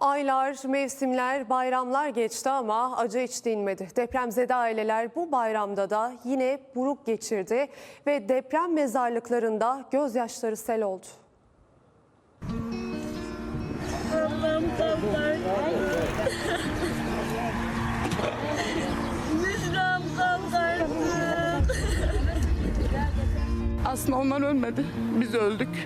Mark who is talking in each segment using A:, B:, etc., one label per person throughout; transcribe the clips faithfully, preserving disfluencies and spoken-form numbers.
A: Aylar, mevsimler, bayramlar geçti ama acı hiç dinmedi. Depremzede aileler bu bayramda da yine buruk geçirdi ve deprem mezarlıklarında gözyaşları sel oldu.
B: Allah'ım kaplar. Müjram kaparsın.
C: Aslında onlar ölmedi. Biz öldük.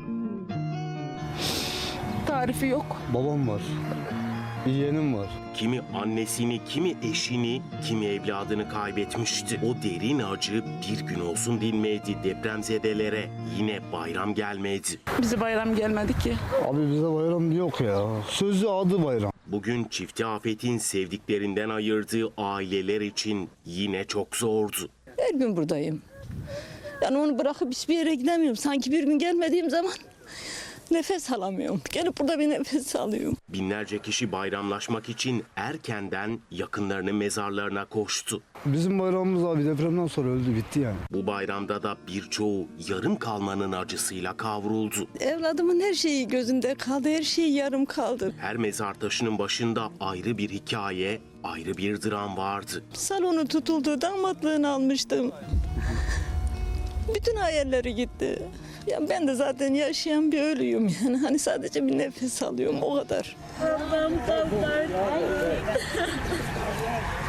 C: Tarifi yok.
D: Babam var, yeğenim var.
E: Kimi annesini, kimi eşini, kimi evladını kaybetmişti. O derin acı bir gün olsun dinmedi depremzedelere. Yine bayram gelmedi.
C: Bize bayram gelmedi ki.
D: Abi bize bayram yok ya. Sözü adı bayram.
E: Bugün çifti afetin sevdiklerinden ayırdığı aileler için yine çok zordu.
F: Her gün buradayım. Yani onu bırakıp hiçbir yere gidemiyorum. Sanki bir gün gelmediğim zaman nefes alamıyorum. Gelip burada bir nefes alıyorum.
E: Binlerce kişi bayramlaşmak için erkenden yakınlarının mezarlarına koştu.
D: Bizim bayramımız abi depremden sonra öldü, bitti yani.
E: Bu bayramda da birçoğu yarım kalmanın acısıyla kavruldu.
F: Evladımın her şeyi gözünde kaldı. Her şeyi yarım kaldı.
E: Her mezar taşının başında ayrı bir hikaye, ayrı bir dram vardı.
F: Salonu tutuldu. Damatlığını almıştım. Bütün hayalleri gitti. Ya ben de zaten yaşayan bir ölüyüm yani. Hani sadece bir nefes alıyorum, o kadar.
B: Allah'ım kaparsın.